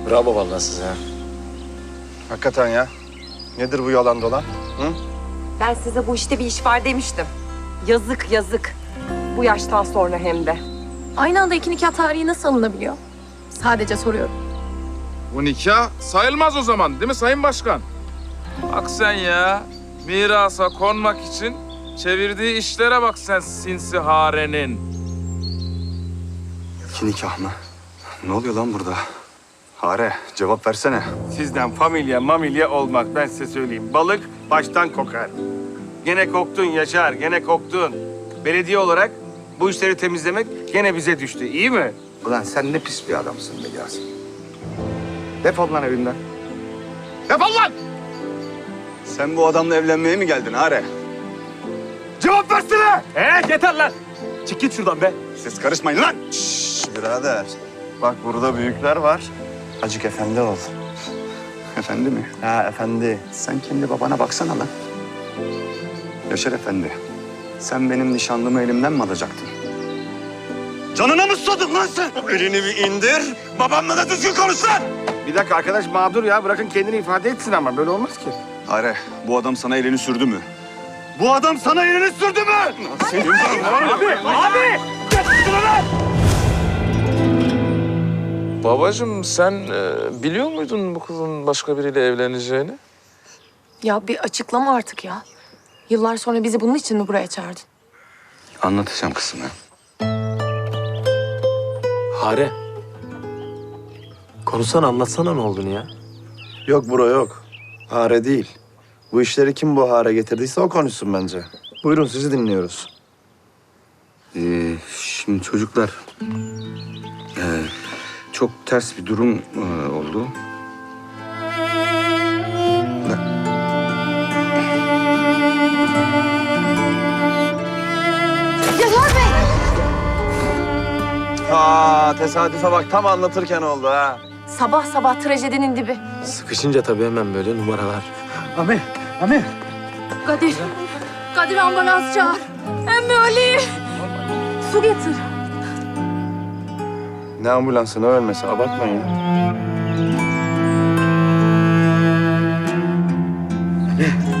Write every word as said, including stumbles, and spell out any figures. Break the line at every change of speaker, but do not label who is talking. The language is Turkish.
Bravo vallahi size.
Hakikaten ya. Nedir bu yalan dolan? Hı?
Ben size bu işte bir iş var demiştim. Yazık yazık. Bu yaştan sonra hem de.
Aynı anda iki nikah tarihi nasıl alınabiliyor? Sadece soruyorum.
Bu nikah sayılmaz o zaman değil mi Sayın Başkan? Bak sen ya, mirasa konmak için çevirdiği işlere bak sen sinsi harenin.
İki nikah mı? Ne oluyor lan burada? Hare, cevap versene.
Sizden familya mamilya olmaz, ben size söyleyeyim. Balık baştan kokar. Gene koktun Yaşar, gene koktun. Belediye olarak bu işleri temizlemek gene bize düştü, iyi mi?
Ulan sen ne pis bir adamsın be Yasin. Defol lan evimden. Defol lan! Sen bu adamla evlenmeye mi geldin Hare?
Cevap versene! Ee, yeter lan! Çık git şuradan be.
Siz karışmayın lan! Şşş birader. Bak burada büyükler var. Acık efendi ol. Efendi mi? Ha efendi. Sen kendi babana baksana lan. Yaşar efendi. Sen benim nişanlımı elimden mi alacaktın? Canına mı susadın lan sen? Elini bir indir. Babamla da düzgün konuş lan!
Bir dakika arkadaş mağdur ya, bırakın kendini ifade etsin ama böyle olmaz ki.
Hare, bu adam sana elini sürdü mü? Bu adam sana elini sürdü mü? Senin
Abi, abi!
Babacığım sen e, biliyor muydun bu kızın başka biriyle evleneceğini?
Ya bir açıklama artık ya. Yıllar sonra bizi bunun için mi buraya çağırdın?
Anlatacağım kızım ya.
Hare. Konuşsana, anlatsana ne olduğunu ya.
Yok bro yok. Hare değil. Bu işleri kim bu hare getirdiyse o konuşsun bence. Buyurun sizi dinliyoruz.
Ee, şimdi çocuklar... ee, çok ters bir durum ee, oldu.
Aa tesadüfe bak tam anlatırken oldu ha.
Sabah sabah trajedinin dibi.
Sıkışınca tabii hemen böyle numaralar.
Ami, Ami.
Kadir, Kadir ambulans çağır. Emmi Ali. Su getir.
Ne ambulansı ne ölmesi abartmayın.
Ne?